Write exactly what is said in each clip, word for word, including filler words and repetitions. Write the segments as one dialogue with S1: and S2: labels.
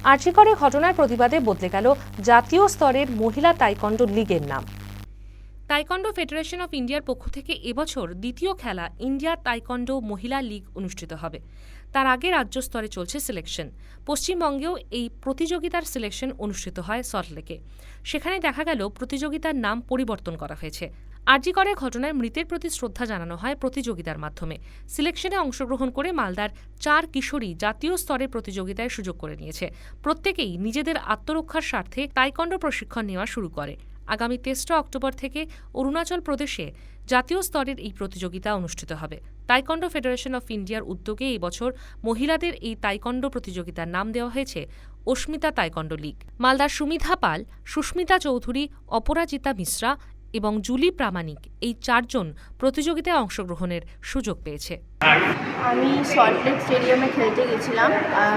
S1: আর জি করের ঘটনার প্রতিবাদে বদলে গেল জাতীয় স্তরের মহিলা তাইকন্ডো লীগের নাম। তাইকন্ডো ফেডারেশন অফ ইন্ডিয়ার পক্ষ থেকে এবছর দ্বিতীয় খেলা ইন্ডিয়া তাইকন্ডো মহিলা লীগ অনুষ্ঠিত হবে। তার আগে রাজ্য স্তরে চলছে সিলেকশন। পশ্চিমবঙ্গেও এই প্রতিযোগিতার সিলেকশন অনুষ্ঠিত হয় সল্টলেকে। সেখানে দেখা গেল প্রতিযোগিতার নাম পরিবর্তন করা হয়েছে। আর জি করের ঘটনায় মৃতের প্রতি শ্রদ্ধা জানানো হয় প্রতিযোগিতার মাধ্যমে। সিলেকশনে অংশগ্রহণ করে মালদার চার কিশোরী জাতীয় স্তরের প্রতিযোগিতায় সুযোগ করে নিয়েছে। প্রত্যেকেই নিজেদের আত্মরক্ষার স্বার্থে তাইকন্ডো প্রশিক্ষণ নেওয়া শুরু করে। আগামী তেসরা অক্টোবর থেকে অরুণাচল প্রদেশে জাতীয় স্তরের এই প্রতিযোগিতা অনুষ্ঠিত হবে। তাইকন্ডো ফেডারেশন অফ ইন্ডিয়ার উদ্যোগে এই বছর মহিলাদের এই তাইকন্ডো প্রতিযোগিতার নাম দেওয়া হয়েছে অস্মিতা তাইকন্ডো লীগ। মালদার সুমিধা পাল, সুস্মিতা চৌধুরী, অপরাজিতা মিশ্রা এবং জুলি প্রামাণিক এই চারজন প্রতিযোগিতায় অংশগ্রহণের সুযোগ পেয়েছে।
S2: আমি সল্টলেক স্টেডিয়ামে খেলতে গেছিলাম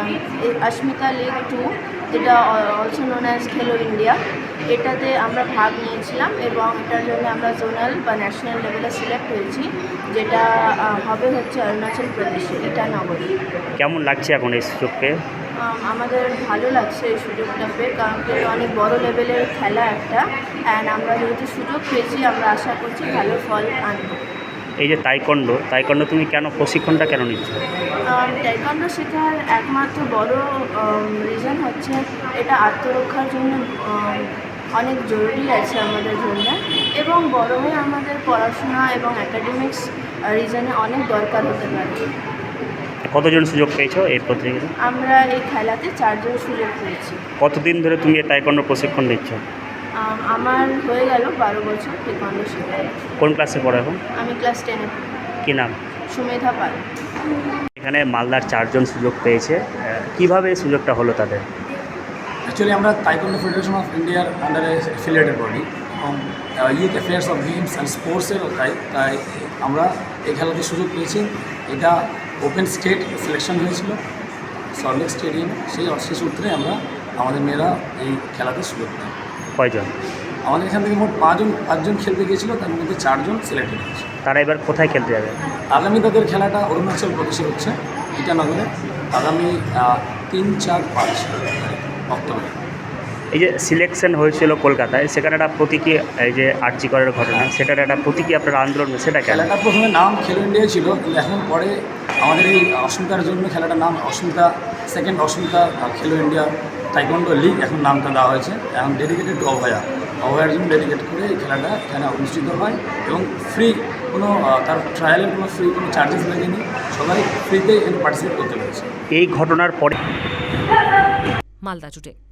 S2: অস্মিতা লীগ টু, যেটা also known as Khelo India. এটাতে আমরা ভাগ নিয়েছিলাম এবং এটার জন্য আমরা জোনাল বা ন্যাশনাল লেভেলে সিলেক্ট হয়েছি, যেটা হবে হচ্ছে অরুণাচল প্রদেশে ইটানগরে।
S3: কেমন লাগছে এখন এই সুযোগ পেয়ে?
S2: আমাদের ভালো লাগছে এই সুযোগটা পেয়ে, কারণ কি অনেক বড় লেভেলের খেলা একটা, অ্যান্ড আমরা যেহেতু সুযোগ পেয়েছি আমরা আশা করছি ভালো ফল আনব।
S3: এই যে তাইকন্ডো তাইকন্ডো তুমি কেন প্রশিক্ষণটা কেন নিচ্ছ?
S2: তাইকন্ডো শেখার একমাত্র বড় রিজন হচ্ছে এটা আত্মরক্ষার জন্য অনেক জরুরি আছে আমাদের জন্য, এবং বড় হয়ে আমাদের পড়াশোনা এবং অ্যাকাডেমিক্স রিজনে অনেক দরকার হতে পারে।
S3: কতজন সুযোগ পেয়েছো এই প্রতিযোগিতায়?
S2: আমরা এই খেলাতে চারজন সুযোগ পেয়েছি।
S3: কতদিন ধরে তুমি এই তাইকন্ডো প্রশিক্ষণ নিচ্ছ?
S2: আমার হয়ে গেল বারো বছর তাইকন্ডো শেখা।
S3: কোন ক্লাসে পড়ো এখন?
S2: আমি ক্লাস টেনে।
S3: কী নাম?
S2: সুমেধা পাল।
S3: এখানে মালদার চারজন সুযোগ পেয়েছে, কিভাবে এই সুযোগটা হলো তাদের?
S4: অ্যাকচুয়ালি আমরা তাইকন্ডো ফেডারেশন অফ ইন্ডিয়ার আন্ডারে অ্যাফিলিয়েটেড বডি এবং youth affairs of games and স্পোর্টসেরও তাই তাই আমরা এই খেলাতে সুযোগ পেয়েছি। এটা ওপেন স্টেট সিলেকশন হয়েছিল সল্টলেক স্টেডিয়ামে, সেই সেই সূত্রে আমরা আমাদের মেয়েরা এই খেলাতে সুযোগ পাই।
S3: কয়জন?
S4: আমাদের এখান থেকে মোট পাঁচজন পাঁচজন খেলতে গিয়েছিল, তার মধ্যে চারজন সিলেক্টেড হয়েছে।
S3: তারা এবার কোথায় খেলতে যাবে?
S4: আগামী তাদের খেলাটা অরুণাচল প্রদেশে হচ্ছে ইটানগরে, আগামী তিন চার পাঁচ অক্টোবর।
S3: এই যে সিলেকশন হয়েছিল কলকাতায়, সেখানে একটা প্রতীকী, এই যে আর জি করের ঘটনা, সেটার একটা প্রতীকী আপনার আন্দোলন, সেটা
S4: খেলাটা প্রথমে নাম খেলো ইন্ডিয়া ছিল, কিন্তু এখন পরে আমাদের এই অস্মিতার জন্য খেলাটার নাম অস্মিতা সেকেন্ড অস্মিতা খেলো ইন্ডিয়া তাইকন্ডো লীগ এখন নামটা দেওয়া হয়েছে। এখন ডেডিকেটেড টু অভয়া অভয়ার জন্য ডেডিকেট করে এই খেলাটা এখানে অনুষ্ঠিত হয় এবং ফ্রি, কোনো তার ট্রায়ালের কোনো ফ্রি কোনো চার্জেস লাগেনি, সবাই ফ্রিতে এখানে পার্টিসিপেট করতে পেরেছে।
S3: এই ঘটনার পরে
S1: মালদা জুড়ে